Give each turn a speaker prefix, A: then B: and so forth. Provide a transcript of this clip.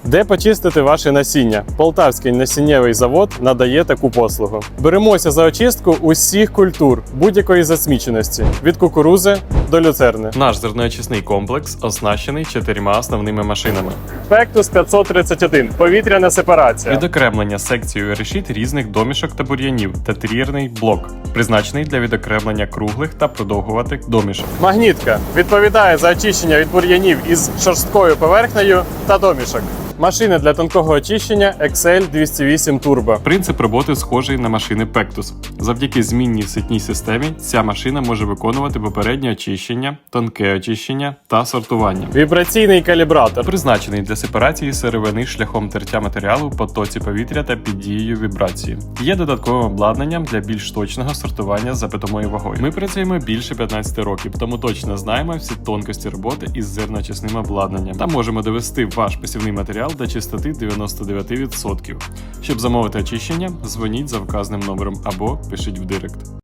A: Де почистити ваше насіння? Полтавський насіннєвий завод надає таку послугу. Беремося за очистку усіх культур будь-якої засміченості – від кукурузи до люцерни. Наш зерноочисний комплекс оснащений 4 основними машинами. Pectus 531 – повітряна сепарація. Відокремлення секцією решіт різних домішок та бур'янів та трієрний блок, призначений для відокремлення круглих та продовгуватих домішок. Магнітка відповідає за очищення від бур'янів із шорсткою поверхнею та домішок. Машини для тонкого очищення XL 208 Turbo. Принцип роботи схожий на машини Pectus. Завдяки змінній ситній системі ця машина може виконувати попереднє очищення, тонке очищення та сортування. Вібраційний калібратор призначений для сепарації сировини шляхом тертя матеріалу в потоці повітря та під дією вібрації. Є додатковим обладнанням для більш точного сортування за питомою вагою. Ми працюємо більше 15 років, тому точно знаємо всі тонкості роботи із зерноочисним обладнанням та можемо довести ваш посівний матеріал до чистоти 99%. Щоб замовити очищення, дзвоніть за вказаним номером або пишіть в директ.